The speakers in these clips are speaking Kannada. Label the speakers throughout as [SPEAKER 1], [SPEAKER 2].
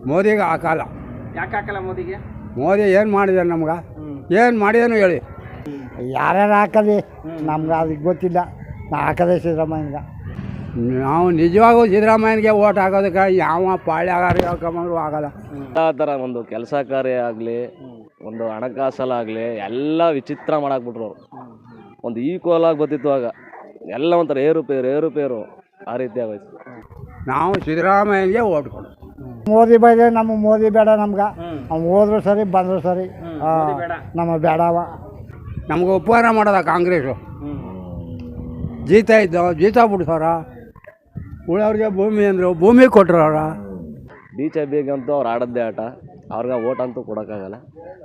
[SPEAKER 1] ಮೋದಿಗೆ ಹಾಕಲ್ಲ.
[SPEAKER 2] ಯಾಕೆ ಹಾಕಲ್ಲ ಮೋದಿಗೆ?
[SPEAKER 1] ಮೋದಿ ಏನು ಮಾಡಿದಾರೆ ನಮ್ಗೆ? ಏನು ಮಾಡಿದಾನು ಹೇಳಿ.
[SPEAKER 3] ಯಾರ್ಯಾರು ಹಾಕಲಿ ನಮ್ಗೆ ಅದಕ್ಕೆ ಗೊತ್ತಿಲ್ಲ. ನಾ ಹಾಕದೆ ಸಿದ್ದರಾಮಯ್ಯನಿಗೆ.
[SPEAKER 1] ನಾವು ನಿಜವಾಗೂ ಸಿದ್ದರಾಮಯ್ಯನಿಗೆ ಓಟ್ ಹಾಕೋದಕ್ಕೆ ಯಾವ ಪಾಳ್ಯಗಾರ ಹೇಳ್ಕೊಂಬಂದ್ರು ಆಗಲ್ಲ.
[SPEAKER 4] ಎಲ್ಲ ಥರ ಒಂದು ಕೆಲಸ ಕಾರ್ಯ ಆಗಲಿ, ಒಂದು ಹಣಕಾಸಲ್ಲಾಗಲಿ ಎಲ್ಲ ವಿಚಿತ್ರ ಮಾಡಾಕ್ಬಿಟ್ರು ಅವರು. ಒಂದು ಈಕ್ವಲ್ ಆಗಿ ಬರ್ತಿತ್ತು ಆಗ, ಎಲ್ಲ ಒಂಥರ ಏರುಪೇರು ಆ ರೀತಿ ಆಗೋಯ್ತು.
[SPEAKER 1] ನಾವು ಸಿದ್ದರಾಮಯ್ಯನಿಗೆ ಓಟ್ ಕೊಡು.
[SPEAKER 3] ಮೋದಿ ಬೈದೆ ನಮಗೆ ಮೋದಿ ಬೇಡ ನಮ್ಗೆ. ಅವ್ನು ಹೋದ್ರು ಸರಿ ಬಂದರು ಸರಿ, ನಮಗೆ ಬೇಡವ.
[SPEAKER 1] ನಮ್ಗೆ ಉಪಕಾರ ಮಾಡೋದ ಕಾಂಗ್ರೆಸ್ಸು. ಜೀತ ಬಿಡ್ಸೋರ, ಉಳವ್ರಿಗೆ ಭೂಮಿ ಅಂದರು ಭೂಮಿ ಕೊಟ್ಟರು ಅವ್ರ.
[SPEAKER 4] BJPಗಂತೂ ಅವ್ರು ಆಡದ್ದೇ ಆಟ, ಅವ್ರಿಗೆ ಓಟ್ ಅಂತೂ ಕೊಡೋಕ್ಕಾಗಲ್ಲ.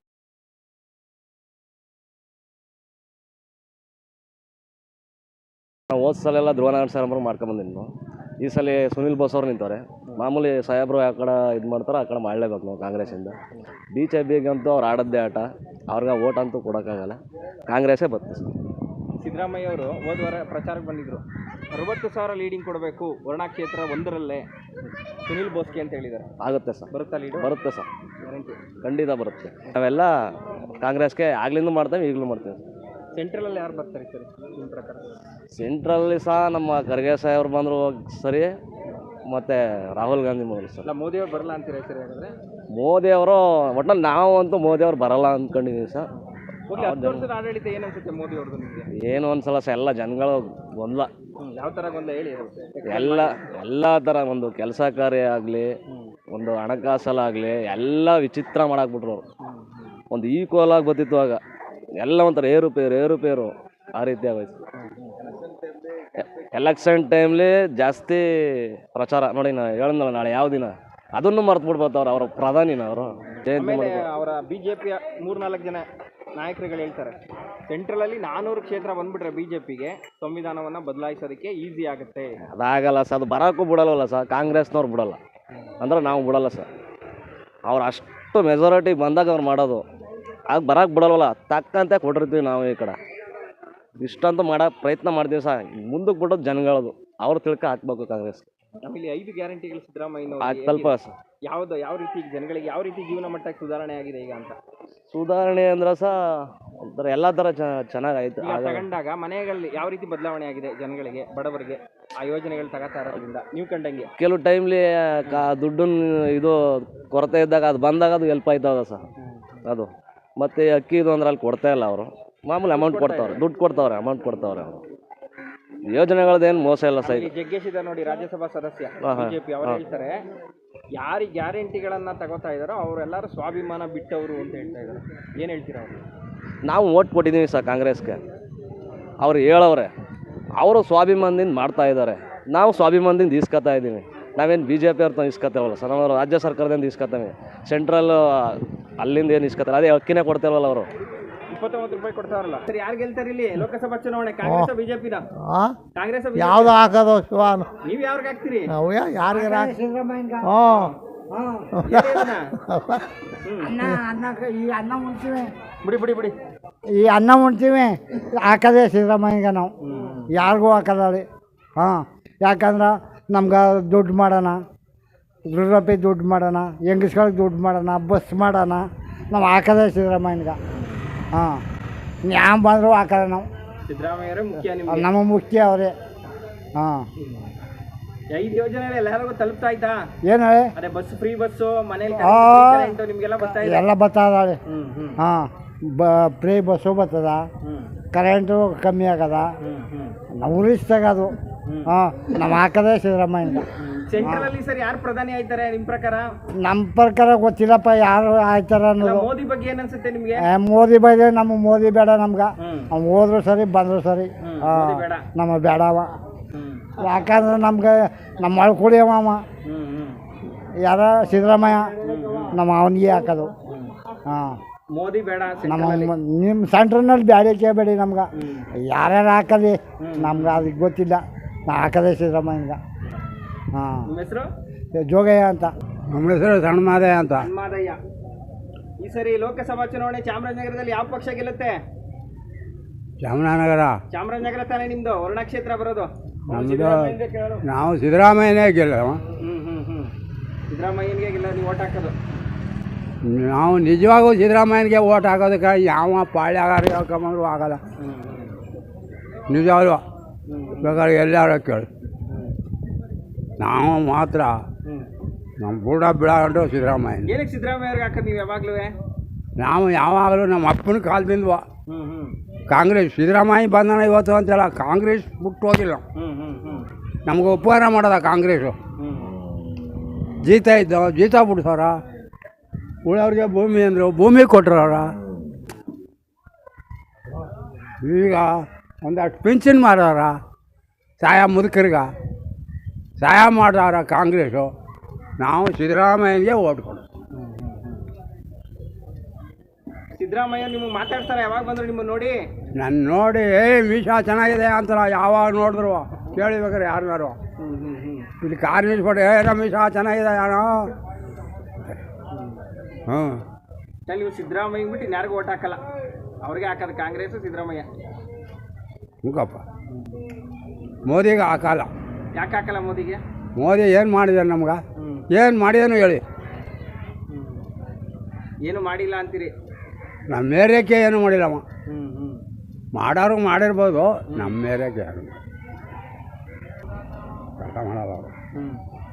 [SPEAKER 4] ಹೋದ ಸಲ ಧ್ರುವನಾರಾಯಣ ಸಾಹೇಬ್ರು ಮಾಡ್ಕೊಂಬಂದಿದ್ದು, ಈ ಸಲ ಸುನಿಲ್ ಬೋಸ್ ಅವ್ರು ನಿಂತವ್ರೆ. ಮಾಮೂಲಿ ಸಾಹೇಬ್ರು ಆ ಕಡೆ ಇದು ಮಾಡ್ತಾರೆ, ಆ ಕಡೆ ಮಾಡಲೇಬೇಕು ನಾವು ಕಾಂಗ್ರೆಸ್ಸಿಂದ. BJPಗಂತೂ ಅವ್ರು ಆಡದ್ದೇ ಆಟ, ಅವ್ರಿಗೆ ಓಟ್ ಅಂತೂ ಕೊಡೋಕ್ಕಾಗಲ್ಲ. ಕಾಂಗ್ರೆಸ್ಸೇ ಬರ್ತದೆ ಸರ್.
[SPEAKER 2] ಸಿದ್ದರಾಮಯ್ಯ ಅವರು ಹೋದ ವಾರ ಪ್ರಚಾರಕ್ಕೆ ಬಂದಿದ್ರು. 60,000 ಲೀಡಿಂಗ್ ಕೊಡಬೇಕು ವರ್ಣಾ ಕ್ಷೇತ್ರ ಒಂದರಲ್ಲೇ ಸುನಿಲ್ ಬೋಸ್ಗೆ ಅಂತ ಹೇಳಿದ್ದಾರೆ.
[SPEAKER 4] ಆಗುತ್ತೆ ಸರ್,
[SPEAKER 2] ಬರುತ್ತಾ ಲೀಡು?
[SPEAKER 4] ಬರುತ್ತೆ ಸರ್, ಖಂಡಿತ ಬರುತ್ತೆ. ನಾವೆಲ್ಲ ಕಾಂಗ್ರೆಸ್ಗೆ ಆಗ್ಲಿಂದ ಮಾಡ್ತೇವೆ, ಈಗಲೂ ಮಾಡ್ತೇವೆ.
[SPEAKER 2] ಸೆಂಟ್ರಲಲ್ಲಿ ಯಾರು ಬರ್ತಾರೆ ಸರ್ ನಿಮ್ಮ ಪ್ರಕಾರ?
[SPEAKER 4] ಸೆಂಟ್ರಲ್ಲಿ ಸಹ ನಮ್ಮ ಖರ್ಗೆ ಸಾಹೇಬ್ರು ಬಂದರು ಸರಿ, ಮತ್ತು ರಾಹುಲ್ ಗಾಂಧಿ ಮೊದಲು ಸರ್.
[SPEAKER 2] ಇಲ್ಲ ಮೋದಿಯವ್ರು ಬರಲ್ಲ ಅಂತೀರಾ ಸರಿ? ಹಾಗಾದರೆ
[SPEAKER 4] ಮೋದಿಯವರು ಒಟ್ಟಿನಲ್ಲಿ ನಾವು ಅಂತೂ ಮೋದಿಯವ್ರು ಬರಲ್ಲ ಅಂದ್ಕೊಂಡಿದ್ದೀವಿ ಸರ್.
[SPEAKER 2] 10 ವರ್ಷದ ಆಡಳಿತ ಏನು ಅನ್ಸುತ್ತೆ ಮೋದಿ ಅವ್ರದ್ದು ನಿಮಗೆ?
[SPEAKER 4] ಏನು ಒಂದ್ಸಲ ಎಲ್ಲ ಜನಗಳು ಗೊಂದಲ.
[SPEAKER 2] ಯಾವ ಥರ ಗೊಂದಲ ಹೇಳಿ?
[SPEAKER 4] ಎಲ್ಲ ಥರ ಒಂದು ಕೆಲಸ ಕಾರ್ಯ ಆಗಲಿ, ಒಂದು ಹಣಕಾಸಲ್ಲಾಗಲಿ ಎಲ್ಲ ವಿಚಿತ್ರ ಮಾಡಾಕ್ಬಿಟ್ರು ಅವರು. ಒಂದು ಈಕ್ವಲ್ ಆಗಿ ಬರ್ತಿತ್ತು ಆಗ, ಎಲ್ಲ ಒಂಥರ ಏರುಪೇರು ಆ ರೀತಿ ಆಗೋಯ್ತು. ಎಲೆಕ್ಷನ್ ಟೈಮ್ಲಿ ಜಾಸ್ತಿ ಪ್ರಚಾರ ನೋಡಿ. ನಾ ಹೇಳಿದ್ನಲ್ಲ ನಾಳೆ ಯಾವ ದಿನ ಅದನ್ನು ಮರ್ತು ಬಿಡ್ಬೋದವ್ರು, ಅವರ ಪ್ರಧಾನಿನ ಅವರು ಜಯಂತಿ ಮಾಡಿ.
[SPEAKER 2] ಅವರ BJPಯ 3-4 ಜನ ನಾಯಕರುಗಳು ಹೇಳ್ತಾರೆ, ಸೆಂಟ್ರಲಲ್ಲಿ 400 ಕ್ಷೇತ್ರ ಬಂದ್ಬಿಟ್ರೆ BJPಗೆ ಸಂವಿಧಾನವನ್ನು ಬದಲಾಯಿಸೋದಕ್ಕೆ ಈಸಿ ಆಗುತ್ತೆ.
[SPEAKER 4] ಅದಾಗಲ್ಲ ಸರ್, ಅದು ಬರೋಕ್ಕೂ ಬಿಡಲ್ವಲ್ಲ ಸರ್, ಕಾಂಗ್ರೆಸ್ನವ್ರು ಬಿಡಲ್ಲ ಅಂದ್ರೆ ನಾವು ಬಿಡಲ್ಲ ಸರ್. ಅವ್ರು ಅಷ್ಟು ಮೆಜಾರಿಟಿ ಬಂದಾಗ ಅವ್ರು ಮಾಡೋದು, ಆಗ ಬರೋಕ್ಕೆ ಬಿಡಲ್ವಲ್ಲ, ತಕ್ಕಂತೆ ಕೊಟ್ಟಿರ್ತೀವಿ ನಾವು. ಈ ಕಡೆ ಇಷ್ಟಂತೂ ಮಾಡೋಕ್ಕೆ ಪ್ರಯತ್ನ ಮಾಡ್ತೀವಿ ಸರ್. ಮುಂದಕ್ಕೆ ಬಿಡೋದು ಜನಗಳದು, ಅವ್ರು ತಿಳ್ಕ ಹಾಕ್ಬೇಕು ಕಾಂಗ್ರೆಸ್.
[SPEAKER 2] ಆಮೇಲೆ 5 ಗ್ಯಾರಂಟಿಗಳು ಸಿದ್ದರಾಮಯ್ಯ
[SPEAKER 4] ತಲುಪ ಸರ್.
[SPEAKER 2] ಯಾವ ರೀತಿ ಜನಗಳಿಗೆ ಯಾವ ರೀತಿ ಜೀವನ ಮಟ್ಟಕ್ಕೆ ಸುಧಾರಣೆ ಆಗಿದೆ ಈಗ ಅಂತ?
[SPEAKER 4] ಸುಧಾರಣೆ ಅಂದ್ರೆ ಸಹ ಒಂಥರ ಎಲ್ಲ ಥರ ಚೆನ್ನಾಗಾಯ್ತು.
[SPEAKER 2] ತಗೊಂಡಾಗ ಮನೆಗಳಲ್ಲಿ ಯಾವ ರೀತಿ ಬದಲಾವಣೆ ಆಗಿದೆ ಜನಗಳಿಗೆ, ಬಡವರಿಗೆ ಆ ಯೋಜನೆಗಳು ತಗೋತಾ ಇರೋದ್ರಿಂದ ನೀವು ಕಂಡಂಗೆ?
[SPEAKER 4] ಕೆಲವು ಟೈಮ್ಲಿ ದುಡ್ಡನ್ನು ಇದು ಕೊರತೆ ಇದ್ದಾಗ ಅದು ಬಂದಾಗ ಅದು ಹೆಲ್ಪ್ ಆಯ್ತದ ಸರ್ ಅದು. ಮತ್ತು ಅಕ್ಕಿದು ಅಂದ್ರೆ ಅಲ್ಲಿ ಕೊಡ್ತಾ ಇಲ್ಲ ಅವರು, ಮಾಮೂಲಿ ಅಮೌಂಟ್ ಕೊಡ್ತಾವ್ರೆ, ದುಡ್ಡು ಕೊಡ್ತಾವ್ರೆ, ಅಮೌಂಟ್ ಕೊಡ್ತಾವ್ರೆ ಅವರು. ಯೋಜನೆಗಳದ್ದೇನು ಮೋಸ ಇಲ್ಲ ಸರ್.
[SPEAKER 2] ಜಗ್ಗೇಶ್ ಇದ್ದಾರೆ ನೋಡಿ, ರಾಜ್ಯಸಭಾ ಸದಸ್ಯ BJP, ಅವರು ಹೇಳ್ತಾರೆ ಯಾರಿಗೆ ಗ್ಯಾರಂಟಿಗಳನ್ನ ತಗೋತಾ ಇದ್ದಾರೋ ಅವರೆಲ್ಲರೂ ಸ್ವಾಭಿಮಾನ ಬಿಟ್ಟವರು ಅಂತ ಹೇಳ್ತಾ ಇದ್ದಾರೆ. ಏನು ಹೇಳ್ತೀರಾ ಅವರು?
[SPEAKER 4] ನಾವು ಓಟ್ ಕೊಟ್ಟಿದ್ದೀವಿ ಸರ್ ಕಾಂಗ್ರೆಸ್ಗೆ. ಅವ್ರು ಹೇಳವ್ರೆ, ಅವರು ಸ್ವಾಭಿಮಾನದಿಂದ ಮಾಡ್ತಾ ಇದ್ದಾರೆ, ನಾವು ಸ್ವಾಭಿಮಾನದಿಂದ ಇಸ್ಕೊತಾ ಇದ್ದೀವಿ. ನಾವೇನು BJP ಅವ್ರನ್ನ ಇಸ್ಕೊತೇವಲ್ಲ ಸರ್, ನಾವು ರಾಜ್ಯ ಸರ್ಕಾರದಿಂದ ಇಸ್ಕೊತೇವೆ. ಸೆಂಟ್ರಲ್ ಅಲ್ಲಿಂದ ಏನು ಇಸ್ಕೊತಾರೆ, ಅದೇ ಅಕ್ಕಿನೇ ಕೊಡ್ತೇವಲ್ಲ ಅವರು.
[SPEAKER 2] 29 ರೂಪಾಯಿ ಕೊಡ್ತಾರಲ್ಲ ಸರ್. ಯಾರು ಗೆಲ್ತಾರೆ ಇಲ್ಲಿ ಲೋಕಸಭಾ ಚುನಾವಣೆ? ಕಾಂಗ್ರೆಸ್ BJPನ? ಕಾಂಗ್ರೆಸ್
[SPEAKER 3] ಯಾವ್ದು ಹಾಕೋದು ಶಿವಾನು?
[SPEAKER 2] ನೀವು ಯಾರಿಗೆ ಹಾಕ್ತೀರಿ?
[SPEAKER 3] ಯಾರಿಗೆ
[SPEAKER 2] ಬಿಡಿ
[SPEAKER 3] ಈ ಅನ್ನ ಉಣ್ತೀವಿ, ಹಾಕೋದೇ ಸಿದ್ದರಾಮಯ್ಯಗೆ ನಾವು, ಯಾರಿಗೂ ಹಾಕಲ್ಲ ರೀ. ಯಾಕಂದ್ರೆ ನಮ್ಗೆ ದುಡ್ಡು ಮಾಡೋಣ, ವೃದ್ಧಾಪ್ಯ ದುಡ್ಡು ಮಾಡೋಣ, ಹೆಂಗಸ್ಗಳಿಗೆ ದುಡ್ಡು ಮಾಡೋಣ, ಬಸ್ ಮಾಡೋಣ, ನಾವು ಹಾಕೋದೇ ಸಿದ್ದರಾಮಯ್ಯಗೆ. ಯಾವ ಬಂದರೂ ಹಾಕೋಲ್ಲ ನಾವು.
[SPEAKER 2] ಸಿದ್ದರಾಮಯ್ಯರೇ ಮುಖ್ಯ
[SPEAKER 3] ನಮಗೆ ಮುಖ್ಯ ಅವರೇ.
[SPEAKER 2] 5 ಯೋಜನೆ ಎಲ್ಲರಿಗೂ ತಲುಪ್ತಾ ಆಯ್ತಾ?
[SPEAKER 3] ಏನು ಹೇಳಿ?
[SPEAKER 2] ಅದೇ ಬಸ್, ಫ್ರೀ ಬಸ್ಸು, ಮನೇಲಿ ನಿಮಗೆಲ್ಲ ಬರ್ತಾ ಇದೆ?
[SPEAKER 3] ಎಲ್ಲ ಬರ್ತದ. ಫ್ರೀ ಬಸ್ಸು ಬರ್ತದ, ಕರೆಂಟು ಕಮ್ಮಿ ಆಗದ, ನಾವು ಉಳಿಸ್ತಾಗದು. ನಾವು ಹಾಕೋದೇ ಸಿದ್ದರಾಮಯ್ಯಗೆ.
[SPEAKER 2] ಸೆಂಟ್ರಲ್ ಅಲ್ಲಿ ಸರ್ ಯಾರು ಪ್ರಧಾನಿ ಆಯ್ತಾರೆ ನಿಮ್ಮ ಪ್ರಕಾರ?
[SPEAKER 3] ನಮ್ಮ ಪ್ರಕಾರ ಗೊತ್ತಿಲ್ಲಪ್ಪ ಯಾರು ಆಯ್ತಾರ ಅನ್ನೋದು.
[SPEAKER 2] ಮೋದಿ ಬಗ್ಗೆ ಏನು ಅನ್ಸುತ್ತೆ ನಿಮಗೆ?
[SPEAKER 3] ಮೋದಿ ಬೈದೆ ನಮಗೆ ಮೋದಿ ಬೇಡ ನಮ್ಗೆ. ಅವ್ನು ಹೋದ್ರು ಸರಿ ಬಂದರು ಸರಿ, ನಮಗೆ ಬೇಡವ. ಯಾಕಂದ್ರೆ ನಮ್ಗೆ ನಮ್ಮ ಅಳ್ಕುಡಿಯವ ಯಾರ ಸಿದ್ದರಾಮಯ್ಯ, ನಮ್ಮ ಅವನಿಗೆ ಹಾಕೋದು.
[SPEAKER 2] ಮೋದಿ ಬೇಡ,
[SPEAKER 3] ನಿಮ್ಮ ಸೆಂಟ್ರ್ನಲ್ಲಿ ಬ್ಯಾಡಿಕೆ ಬೇಡಿ ನಮ್ಗೆ. ಯಾರ್ಯಾರು ಹಾಕಲಿ ನಮ್ಗೆ ಅದಕ್ಕೆ ಗೊತ್ತಿಲ್ಲ. ನಾ ಹಾಕೋದೇ ಸಿದ್ದರಾಮಯ್ಯಗೆ.
[SPEAKER 2] ನಿಮ್ಮ ಹೆಸರು?
[SPEAKER 3] ಜೋಗಯ್ಯ ಅಂತ.
[SPEAKER 1] ನಮ್ಮ ಹೆಸರು ಸಣ್ಣಮಾದಯ್ಯ ಅಂತ.
[SPEAKER 2] ಈ ಸರಿ ಲೋಕಸಭಾ ಚುನಾವಣೆ ಚಾಮರಾಜನಗರದಲ್ಲಿ ಯಾವ ಪಕ್ಷ ಗೆಲ್ಲುತ್ತೆ?
[SPEAKER 1] ಚಾಮರಾಜನಗರ
[SPEAKER 2] ತಾನೇ ನಿಮ್ದು ವರ್ಣಾ ಕ್ಷೇತ್ರ ಬರೋದು?
[SPEAKER 1] ನಾವು ಸಿದ್ದರಾಮಯ್ಯನೇ ಗೆಲ್ಲ.
[SPEAKER 2] ಸಿದ್ದರಾಮಯ್ಯನಿಗೆ ಇಲ್ಲ ನೀವು ಓಟ್ ಹಾಕೋದು?
[SPEAKER 1] ನಾವು ನಿಜವಾಗೂ ಸಿದ್ದರಾಮಯ್ಯನಿಗೆ ಓಟ್ ಹಾಕೋದಕ್ಕೆ ಯಾವ ಪಾಳ್ಯಗಾರ ಹೇಳ್ಕೊಂಬಂದ್ರು ಆಗಲ್ಲ. ನಿಜವಾಗ್ಲೂ ಬೇಕಾದ್ರೆ ಎಲ್ಲಾರು ಕೇಳಿ, ನಾವು ಮಾತ್ರ ನಮ್ಮ ಬುಡ ಬಿಡಾಕೊಂಡು ಸಿದ್ದರಾಮಯ್ಯ.
[SPEAKER 2] ಏನಕ್ಕೆ ಸಿದ್ದರಾಮಯ್ಯ ಅವ್ರಿಗೆ ಹಾಕೋದು ನೀವು ಯಾವಾಗಲೂ?
[SPEAKER 1] ನಾವು ಯಾವಾಗಲೂ ನಮ್ಮ ಅಪ್ಪನ ಕಾಲದಿಂದ ಕಾಂಗ್ರೆಸ್, ಸಿದ್ದರಾಮಯ್ಯ ಬಂದಣ ಇವತ್ತು ಅಂತಲ್ಲ, ಕಾಂಗ್ರೆಸ್ ಬಿಟ್ಟು ಹೋಗಿಲ್ಲ. ನಮ್ಗೆ ಉಪಕಾರ ಮಾಡೋದ ಕಾಂಗ್ರೆಸ್ಸು. ಜೀತ ಬಿಡ್ಸೋರ, ಉಳವ್ರಿಗೆ ಭೂಮಿ ಅಂದರು, ಭೂಮಿ ಕೊಟ್ಟರವ್ರ. ಈಗ ಒಂದಷ್ಟು ಪಿಂಚನ್ ಮಾಡೋರ, ಸಹಾಯ ಮುದುಕರಿಗೆ ಸಹಾಯ ಮಾಡೋರ ಕಾಂಗ್ರೆಸ್ಸು. ನಾವು ಸಿದ್ದರಾಮಯ್ಯನಿಗೆ ಓಟ್ ಕೊಡೋದು.
[SPEAKER 2] ಸಿದ್ದರಾಮಯ್ಯ ನಿಮಗೆ ಮಾತಾಡ್ತಾರೆ ಯಾವಾಗ ಬಂದರು ನಿಮ್ಮನ್ನು ನೋಡಿ?
[SPEAKER 1] ನನ್ನ ನೋಡಿ ವಿಷ ಚೆನ್ನಾಗಿದೆ ಅಂತಾರ, ಯಾವಾಗ ನೋಡಿದ್ರು ಕೇಳಿಬೇಕಾರೆ ಯಾರನ್ನಾರು. ಇಲ್ಲಿ ಕಾರ್ ನಿಲ್ಸ್ಕೊಟ್ಟು ನಮ್ಮ ವಿಷ ಚೆನ್ನಾಗಿದೆ ಯಾರೋ.
[SPEAKER 2] ನೀವು ಸಿದ್ದರಾಮಯ್ಯ ಬಿಟ್ಟು ಇನ್ಯಾರಿಗೂ ಓಟ್ ಹಾಕಲ್ಲ, ಅವ್ರಿಗೆ ಹಾಕೋದು ಕಾಂಗ್ರೆಸ್ ಸಿದ್ದರಾಮಯ್ಯ?
[SPEAKER 1] ಮುಖಪ್ಪ ಮೋದಿಗೆ ಹಾಕಲ್ಲ.
[SPEAKER 2] ಯಾಕೆ ಹಾಕಲ್ಲ ಮೋದಿಗೆ?
[SPEAKER 1] ಮೋದಿ ಏನು ಮಾಡಿದಾರೆ ನಮ್ಗೆ? ಏನು ಮಾಡಿದನು ಹೇಳಿ?
[SPEAKER 2] ಏನು ಮಾಡಿಲ್ಲ ಅಂತೀರಿ?
[SPEAKER 1] ನಮ್ಮ ಏರಿಯಾಕ್ಕೆ ಏನು ಮಾಡಿಲ್ಲಮ್ಮ. ಮಾಡೋರು ಮಾಡಿರ್ಬೋದು, ನಮ್ಮ ಏರಿಯಾಕ್ಕೆ ಯಾರು ಕೆಲಸ ಮಾಡಲ್ಲ ಅವರು.